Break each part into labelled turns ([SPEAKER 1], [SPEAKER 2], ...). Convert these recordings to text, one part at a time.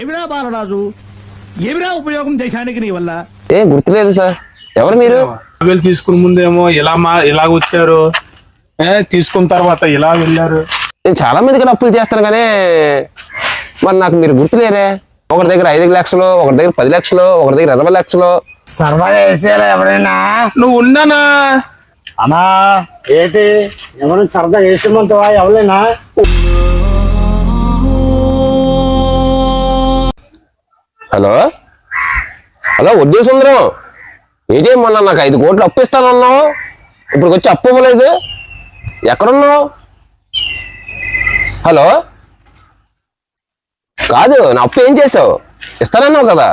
[SPEAKER 1] ఏమిరా బాలరాజు, ఏమిరా ఉపయోగం దేశానికి నీ వల్ల?
[SPEAKER 2] ఏం గుర్తులేదు సార్. ఎవరు మీరు?
[SPEAKER 3] వీళ్ళు తీసుకున్న ముందేమో ఇలా వచ్చారు, తీసుకున్న తర్వాత ఇలా వెళ్ళారు.
[SPEAKER 2] నేను చాలా మందికి అప్పులు చేస్తాను కానీ మరి నాకు మీరు గుర్తులేరే. ఒకరి దగ్గర 5 లక్షలు, ఒకరి దగ్గర 10 లక్షలు, ఒకరి దగ్గర 20 లక్షలు.
[SPEAKER 4] సరదా వేసేయాలి ఎవరైనా.
[SPEAKER 3] నువ్వు ఉన్నానా
[SPEAKER 4] అన్నా ఏంటి ఎవరైనా సరదా వేసేమంటావా ఎవరైనా?
[SPEAKER 2] హలో హలో, వడ్డీ సుందరం ఏంటేమన్నా నాకు 5 కోట్లు అప్పు ఇస్తానన్నావు, ఇప్పుడు వచ్చి అప్పు ఇవ్వలేదు, ఎక్కడున్నావు? హలో కాదు, నా అప్పు ఏం చేసావు? ఇస్తానన్నావు కదా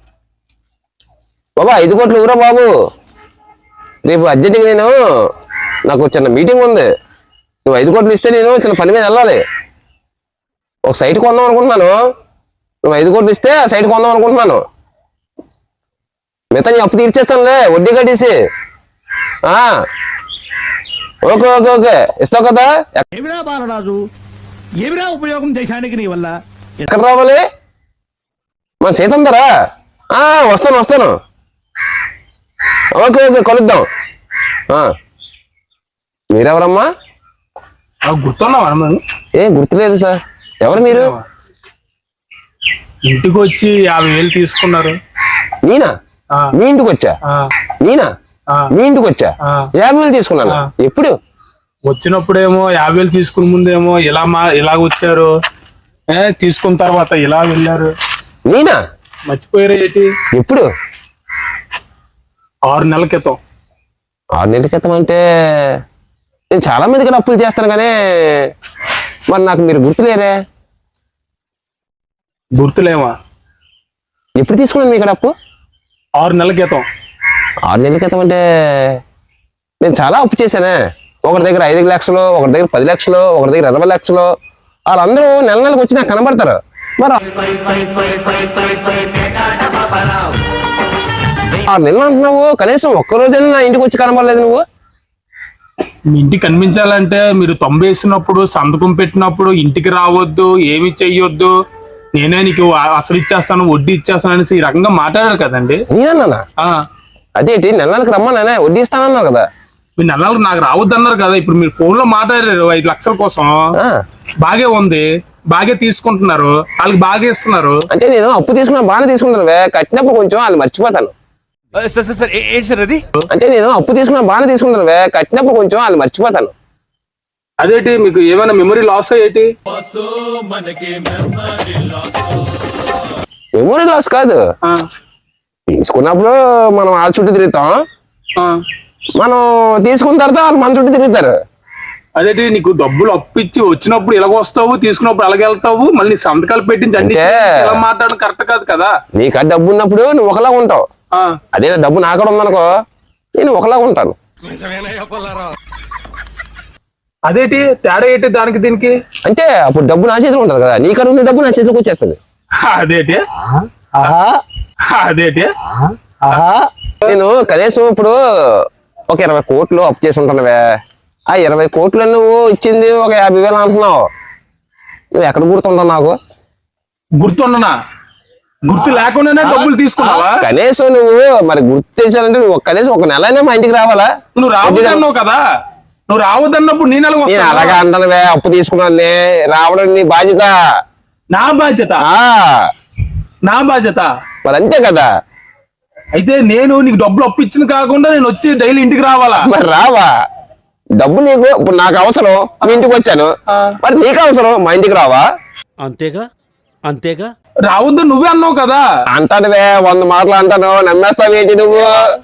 [SPEAKER 2] బాబా. 5 కోట్లు ఊరా బాబు, రేపు అర్జెంటుగా నాకు చిన్న మీటింగ్ ఉంది. నువ్వు 5 కోట్లు ఇస్తే నేను చిన్న పని మీద వెళ్ళాలి. ఒక సైట్ కొందాం అనుకుంటున్నాను. నువ్వు 5 కోట్లు ఇస్తే ఆ సైట్ కొందాం అనుకుంటున్నాను. మిగతా నీ అప్పు తీర్చేస్తానులే, వడ్డీ కట్టేసి. ఓకే ఓకే ఓకే, ఇస్తావు కదా.
[SPEAKER 1] ఏమిరా బాలరాజు, ఏమిరా ఉపయోగం దేశానికి నీ వల్ల?
[SPEAKER 2] ఎక్కడ రావాలి? మన సీతందరా? వస్తాను వస్తాను. ఓకే ఓకే, కలుద్దాం. మీరెవరమ్మా?
[SPEAKER 3] గుర్తున్నావా?
[SPEAKER 2] ఏ గుర్తులేదు సార్. ఎవరు మీరు?
[SPEAKER 3] ఇంటికి వచ్చి 50,000 తీసుకున్నారు.
[SPEAKER 2] నేనా? మీ ఇంటికి వచ్చా? నేనా? మీ ఇంటికి వచ్చా 50,000 తీసుకున్నాను. ఎప్పుడు?
[SPEAKER 3] వచ్చినప్పుడేమో 50,000 తీసుకున్న ముందేమో ఇలా వచ్చారు, తీసుకున్న తర్వాత ఇలా వెళ్ళారు.
[SPEAKER 2] నేనా?
[SPEAKER 3] మర్చిపోయారు ఏంటి?
[SPEAKER 2] ఎప్పుడు?
[SPEAKER 3] 6 నెలల క్రితం.
[SPEAKER 2] 6 నెలల క్రితం అంటే నేను చాలా మందికి అప్పులు చేస్తాను కానీ మరి నాకు మీరు గుర్తులేరే.
[SPEAKER 3] గుర్తులేమా?
[SPEAKER 2] ఎప్పుడు తీసుకున్నాను మీ ఇక్కడ అప్పు?
[SPEAKER 3] 6 నెలల క్రితం.
[SPEAKER 2] 6 నెలల క్రితం అంటే నేను చాలా అప్పు చేశానే. ఒకరి దగ్గర 5 లక్షలు, ఒకరి దగ్గర 10 లక్షలు, ఒకరి దగ్గర 20 లక్షలు. వాళ్ళందరూ నెలకు వచ్చి నాకు కనబడతారు. మరి 6 నెలలు అంటున్నావు, కనీసం ఒక్కరోజైనా నా ఇంటికి వచ్చి కనబడలేదు నువ్వు.
[SPEAKER 3] మీ ఇంటికి కనిపించాలంటే మీరు 90 వేసినప్పుడు, సంతకం పెట్టినప్పుడు ఇంటికి రావద్దు, ఏమి చెయ్యొద్దు, నేనే నీకు అసలు ఇచ్చేస్తాను, వడ్డీ ఇచ్చేస్తాను అనేసి ఈ రకంగా మాట్లాడారు కదండి.
[SPEAKER 2] నేనన్నా? అదేంటి, నెలలకు రమ్మన్నా వడ్డీ ఇస్తానన్నారు కదా.
[SPEAKER 3] మీరు నెలలకు నాకు రావద్దు అన్నారు కదా. ఇప్పుడు మీరు ఫోన్ లో మాట్లాడారు 5 లక్షల కోసం. బాగే ఉంది, బాగే తీసుకుంటున్నారు, వాళ్ళకి బాగా ఇస్తున్నారు.
[SPEAKER 2] అంటే నేను అప్పు తీసుకున్నా బాగానే తీసుకుంటాను, కట్టినప్పుడు కొంచెం వాళ్ళు మర్చిపోతాను. అంటే నేను అప్పు తీసుకున్నా బాగానే తీసుకుంటాను, కట్టినప్పుడు కొంచెం వాళ్ళు మర్చిపోతాను.
[SPEAKER 3] అదేంటి, మీకు ఏమైనా మెమరీ లాస్ అయ్యేటి?
[SPEAKER 2] మెమరీ లాస్ కాదు, తీసుకున్నప్పుడు మనం వాళ్ళ చుట్టూ తిరుగుతాం, మనం తీసుకున్న తర్వాత వాళ్ళు మన చుట్టూ తిరుగుతారు.
[SPEAKER 3] అదేంటి, నీకు డబ్బులు అప్పిచ్చి వచ్చినప్పుడు ఇలాగ వస్తావు, తీసుకున్నప్పుడు అలాగే వెళ్తావు, మళ్ళీ సంతకాలు పెట్టించి మాట్లాడడం కరెక్ట్ కాదు కదా.
[SPEAKER 2] నీకు డబ్బు ఉన్నప్పుడు నువ్వు ఒకలా ఉంటావు, అదే డబ్బు నాకడ ఉందనుకో నేను ఒకలా ఉంటాను.
[SPEAKER 3] అదేంటి తేడా ఏంటి దానికి దీనికి?
[SPEAKER 2] అంటే అప్పుడు డబ్బు నా చేతిలో ఉంటుంది కదా, నీకడ ఉన్న డబ్బు నా చేతిలోకి వచ్చేస్తుంది.
[SPEAKER 3] అదేంటి అదేంటి
[SPEAKER 2] నేను కనీసం ఇప్పుడు ఒక 20 కోట్లు అప్పు చేసి ఉంటానువే. ఆ 20 కోట్లు నువ్వు ఇచ్చింది ఒక 50,000 అంటున్నావు. నువ్వు ఎక్కడ గుర్తుంటావు నాకు?
[SPEAKER 3] గుర్తుండనా? గుర్తు లేకుండానే డబ్బులు తీసుకున్నావా?
[SPEAKER 2] కనీసం నువ్వు మరి గుర్తు తెచ్చానంటే నువ్వు కనీసం ఒక నెలైనా మా ఇంటికి రావాలా?
[SPEAKER 3] నువ్వు రావద్దన్నావు కదా. నువ్వు రావద్దన్నప్పుడు నేను
[SPEAKER 2] అలాగా అంటానువే. అప్పు తీసుకున్నాను, రావడం నీ బాధ్యత.
[SPEAKER 3] నా బాధ్యత? నా బాధ్యత
[SPEAKER 2] మరి అంతే కదా.
[SPEAKER 3] అయితే నేను నీకు డబ్బులు అప్పిచ్చింది కాకుండా నేను వచ్చి డైలీ ఇంటికి రావాలా?
[SPEAKER 2] మరి రావా? డబ్బు నీకు ఇప్పుడు నాకు అవసరం, మీ ఇంటికి వచ్చాను, మరి నీకు అవసరం, మా ఇంటికి రావా?
[SPEAKER 1] అంతేగా అంతేగా.
[SPEAKER 3] రావద్దు నువ్వే అన్నావు కదా.
[SPEAKER 2] అంటానువే, 100 మాటలు అంటాను, నమ్మేస్తావేంటి నువ్వు?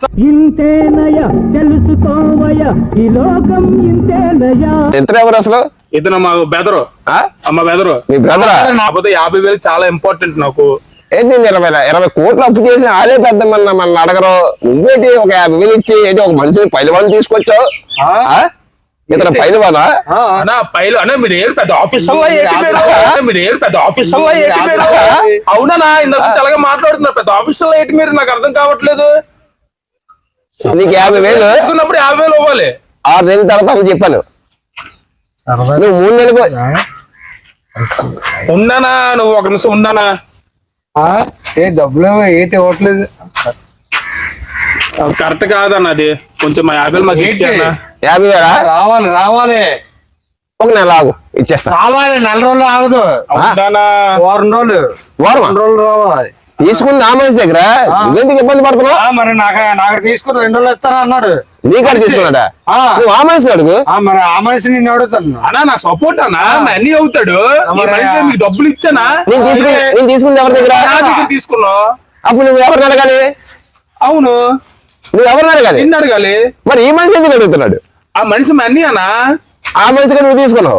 [SPEAKER 2] ఎంత ఎవరు అసలు?
[SPEAKER 3] ఇతను మా బెదరు. అమ్మ బెదరు.
[SPEAKER 2] మీ బ్రదరా?
[SPEAKER 3] కాకపోతే 50,000 చాలా ఇంపార్టెంట్ నాకు.
[SPEAKER 2] ఏంటి 20 కోట్లు అప్పు చేసి అదే పెద్ద మన అడగరు. నువ్వేంటి ఒక 50,000 ఇచ్చి ఏంటి ఒక మనిషిని 10 మంది తీసుకొచ్చావు? ఇతను 5 మందా?
[SPEAKER 3] మీరు ఏరు పెద్ద ఆఫీసర్ మీరు ఏరు పెద్ద ఆఫీసర్ అవునా? ఇందాక అలాగే మాట్లాడుతున్నారు, పెద్ద ఆఫీసర్ ఏంటి మీరు? నాకు అర్థం కావట్లేదు.
[SPEAKER 2] నీకు 50,000
[SPEAKER 3] తీసుకున్నప్పుడు 50,000 ఇవ్వాలి.
[SPEAKER 2] 6 నెలల తర్వాత చెప్పాను. నువ్వు 3 నెలలకు
[SPEAKER 3] ఉన్నానా? నువ్వు ఒక నిమిషం ఉన్నానా?
[SPEAKER 4] ఏ డబ్బులు ఏంటి ఇవ్వట్లేదు.
[SPEAKER 3] కరెక్ట్ కాదన్న అది. కొంచెం మా 50 మాకు ఇచ్చేయన్నా.
[SPEAKER 2] 50,000
[SPEAKER 4] రావాలి రావాలి
[SPEAKER 2] ఒక నెల ఆగు ఇచ్చేస్తా.
[SPEAKER 4] రావాలి. నెల రోజులు ఆగదు.
[SPEAKER 3] అవునా?
[SPEAKER 4] వారం రోజులు
[SPEAKER 2] వారమా?
[SPEAKER 4] 2 రోజులు రావాలి.
[SPEAKER 2] తీసుకుంది ఆ మనిషి దగ్గర, నువ్వెందుకు ఇబ్బంది పడుతున్నావు?
[SPEAKER 4] మరి నాకు తీసుకుని 2 రోజులు ఇస్తాను అన్నాడు.
[SPEAKER 2] నీకాడ తీసుకున్నాడా? నువ్వు ఆ మనిషి అడుగు.
[SPEAKER 4] మరి ఆ మనిషి నిన్ను అడుగుతాను.
[SPEAKER 3] అన్నా నా సపోర్ట్ అన్నా, మా అన్ని అవుతాడు. ఈ మనిషి మీకు డబ్బులు ఇచ్చానా?
[SPEAKER 2] నేను తీసుకుంది ఎవరి దగ్గర?
[SPEAKER 3] నా దగ్గర తీసుకున్నావు.
[SPEAKER 2] అప్పుడు నువ్వు ఎవరిని అడగాలి?
[SPEAKER 3] అవును,
[SPEAKER 2] నువ్వు ఎవరిని అడగాలి?
[SPEAKER 3] నిన్ను అడగాలి.
[SPEAKER 2] మరి ఈ మనిషి ఎందుకు అడుగుతున్నాడు?
[SPEAKER 3] ఆ మనిషి మా అన్ని అన్నా.
[SPEAKER 2] ఆ మనిషికి నువ్వు తీసుకున్నావు,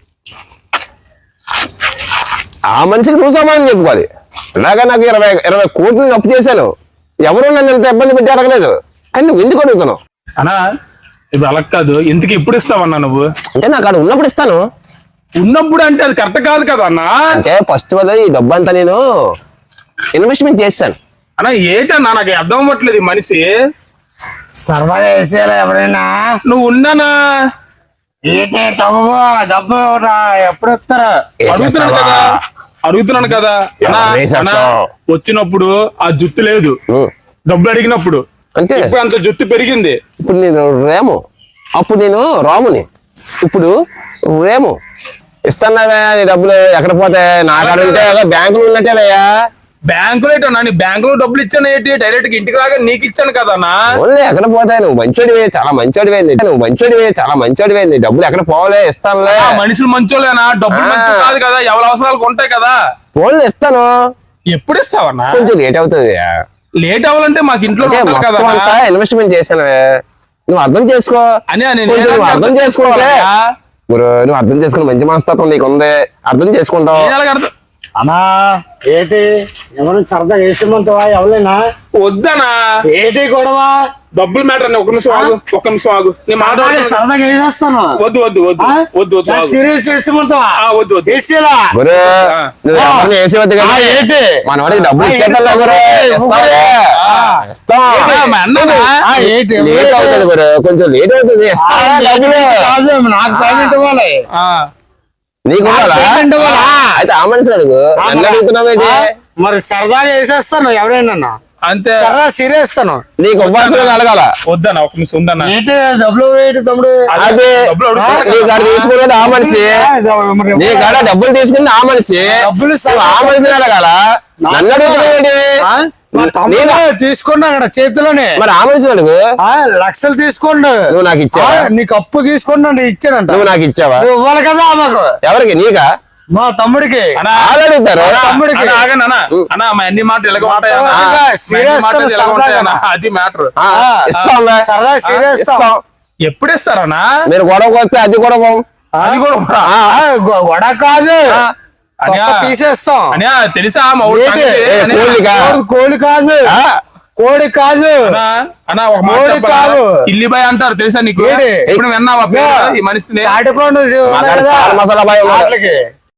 [SPEAKER 2] ఆ మనిషికి నువ్వు సమాధానం చెప్పుకోవాలి. ఇలాగా నాకు 20 కోట్లు అప్పు చేశాను, ఎవరు నన్ను ఎంత ఇబ్బంది పెట్టి అడగలేదు, కానీ నువ్వు ఎందుకు అడుగుతున్నావు?
[SPEAKER 3] అన్నా ఇప్పుడు అలా కాదు. ఎందుకు ఎప్పుడు ఇస్తావన్నా నువ్వు?
[SPEAKER 2] అంటే నాకు అక్కడ ఉన్నప్పుడు ఇస్తాను.
[SPEAKER 3] ఉన్నప్పుడు అంటే అది కరెక్ట్ కాదు కదా అన్నా.
[SPEAKER 2] అంటే ఫస్ట్ వల్ల ఈ డబ్బు అంతా నేను ఇన్వెస్ట్మెంట్ చేశాను.
[SPEAKER 3] అన్నా ఏంటన్నా నాకు అర్థం అవ్వట్లేదు. ఈ మనిషి
[SPEAKER 4] సరదాగా వేసేయాలి ఎవరైనా.
[SPEAKER 3] నువ్వు ఉన్నానా?
[SPEAKER 4] ఏంటి డబ్బు డబ్బు ఎప్పుడు ఇస్తారా?
[SPEAKER 3] అడుగుతున్నాను కదా అన్నా. అన్నా వచ్చినప్పుడు ఆ జుట్టు లేదు, డబ్బులు అడిగినప్పుడు.
[SPEAKER 2] అంటే
[SPEAKER 3] ఇప్పుడు అంత జుట్టు పెరిగింది.
[SPEAKER 2] ఇప్పుడు నేను రేము, అప్పుడు నేను రాముని, ఇప్పుడు రేము. ఇస్తాన్నావా నీ డబ్బులు? ఎక్కడ పోతాయి? నా కాడ ఉంటే బ్యాంకులు ఉన్నట్టేవయ్యా.
[SPEAKER 3] బ్యాంకులో ఏంటన్నా? నీ బ్యాంకులో డబ్బులు ఇచ్చాను ఏంటి? డైరెక్ట్ గా ఇంటికి రాగా నీకు ఇచ్చాను కదా అన్నా.
[SPEAKER 2] ఓన్లీ ఎక్కడ పోతాయి? నువ్వు మంచోడివే, చాలా మంచోడివే. నువ్వు మంచోడివే, చాలా మంచోడివే. నీ డబ్బులు ఎక్కడ పోలే, ఇస్తానులే.
[SPEAKER 3] మనుషులు మంచోలేనా? డబ్బులు మంచి కాదు కదా, ఎవరి అవసరాలకు ఉంటాయి కదా.
[SPEAKER 2] ఫోన్లు ఇస్తాను.
[SPEAKER 3] ఎప్పుడు ఇస్తావన్నా?
[SPEAKER 2] కొంచెం లేట్ అవుతుంది.
[SPEAKER 3] లేట్ అవ్వాలంటే మాకు ఇంట్లో ఉండాలి కదా.
[SPEAKER 2] అంతా ఇన్వెస్ట్మెంట్ చేశాను, నువ్వు అర్థం చేసుకో.
[SPEAKER 3] అని
[SPEAKER 2] కొంచెం నువ్వు అర్థం చేసుకుంటే నువ్వు అర్థం చేసుకుని మంచి మనస్తత్వం నీకుంది, అర్థం చేసుకుంటావు.
[SPEAKER 4] అన్నా ఏంటి ఎవరైనా సరదా వేసేమంటావా? ఎవరైనా
[SPEAKER 3] వద్దనా?
[SPEAKER 4] ఏంటి గొడవ?
[SPEAKER 3] డబ్బులు మ్యాటర్ అని. ఒక నిమిషం ఆగు, ఒక్క నిమిషం ఆగు. నేను మాట్లాడుతున్నా.
[SPEAKER 4] సరదాగా వేసేస్తాను.
[SPEAKER 3] వద్దు వద్దు వద్దు వద్దు వద్దు ఆగు.
[SPEAKER 4] సీరియస్ వేసేమంటావా?
[SPEAKER 3] వద్దు వద్దు.
[SPEAKER 4] వేసేలా
[SPEAKER 2] గురు నువ్వు ఎవరిని వేసేవద్దు కదా.
[SPEAKER 4] ఏంటి
[SPEAKER 2] మన వాడికి డబ్బులు ఇచ్చేటా గురు? ఇస్తావే, ఇస్తాం.
[SPEAKER 3] మా అన్ననా?
[SPEAKER 4] ఏంటి
[SPEAKER 2] లేట్ అవుతుంది గురు, కొంచెం లేట్ అవుతుంది. ఇస్తావా డబ్బులు?
[SPEAKER 4] కాదు, నాకు పేమెంట్ ఇవ్వాలి.
[SPEAKER 2] నీకు ఇవ్వాలా?
[SPEAKER 4] పేమెంట్ ఇవ్వాలా?
[SPEAKER 2] అయితే ఆ మనిషి అడుగు, నన్ను అడుగుతున్నావేంటి?
[SPEAKER 4] మరి సరదాగా వేసేస్తాను ఎవరైనా.
[SPEAKER 3] అంతే.
[SPEAKER 4] సరదా సీరియస్ ఇస్తాను.
[SPEAKER 2] నీకు ఇవ్వాల్సిన అడగాల.
[SPEAKER 3] వద్దనా? ఒక నిమిషం ఉందన్నా.
[SPEAKER 4] ఏంటి డబ్బులు ఏంటి తమ్ముడు?
[SPEAKER 2] అదే
[SPEAKER 3] డబ్బులు అడుగుతున్నా.
[SPEAKER 2] నీ కాడ తీసుకున్నాడు ఆ మనిషి, నీ కాడ డబ్బులు తీసుకుంది ఆ మనిషి,
[SPEAKER 4] డబ్బులు
[SPEAKER 2] నువ్వు ఆ మనిషిని అడగాల, నన్ను అడుగుతున్నావేంటి?
[SPEAKER 4] తీసుకోండి అక్కడ చేతిలోనే.
[SPEAKER 2] మరి ఆ మనిషిని అడుగు.
[SPEAKER 4] లక్షలు తీసుకోండి.
[SPEAKER 2] నువ్వు నాకు ఇచ్చావా?
[SPEAKER 4] నీకు అప్పు తీసుకోండి ఇచ్చానంట.
[SPEAKER 2] నువ్వు నాకు ఇచ్చావా?
[SPEAKER 4] నువ్వు ఇవ్వాలి కదా మాకు.
[SPEAKER 2] ఎవరికి? నీకా?
[SPEAKER 4] మా తమ్ముడికి.
[SPEAKER 2] వాళ్ళు అడుగుతారు.
[SPEAKER 4] తమ్ముడికి.
[SPEAKER 3] ఆగండి అన్న. అన్న మా అన్ని మాటలు ఎలాగ ఉంటాయన్నా?
[SPEAKER 4] serious
[SPEAKER 3] మాటలు ఎలాగ
[SPEAKER 4] సరదాగా.
[SPEAKER 3] ఉంటాయన్నా? అది మ్యాటర్.
[SPEAKER 2] ఇస్తాం
[SPEAKER 4] సరదా సీరియస్
[SPEAKER 2] ఇస్తాం.
[SPEAKER 3] ఎప్పుడు ఇస్తారన్నా?
[SPEAKER 2] మీరు గొడవకు వస్తే అది గొడవ.
[SPEAKER 3] అది కూడా
[SPEAKER 4] వడ కాదు,
[SPEAKER 3] అన్యా
[SPEAKER 4] తీసేస్తాం.
[SPEAKER 3] అన్యా తెలుసా మా ఊరి
[SPEAKER 4] ఏంటి?
[SPEAKER 3] సంగతి? అన్యా.
[SPEAKER 2] కోళ్ళికా?
[SPEAKER 4] కోడి కాదు, కోడి కాదు.
[SPEAKER 3] అన్నా, అన్నా ఒక మాట
[SPEAKER 4] కోడి
[SPEAKER 3] చెప్పనా?
[SPEAKER 4] కాదు.
[SPEAKER 3] కిల్లిబాయ్ అంటారు తెలుసా నీకు?
[SPEAKER 4] ఏంటి?
[SPEAKER 3] ఎప్పుడు విన్నావా పేరు ఈ మనిషిని?
[SPEAKER 4] తాటిపండు ఉన్నాయి కదా,
[SPEAKER 2] మసాలా బాయ్ ఉన్నాడు.
[SPEAKER 4] వాటికి.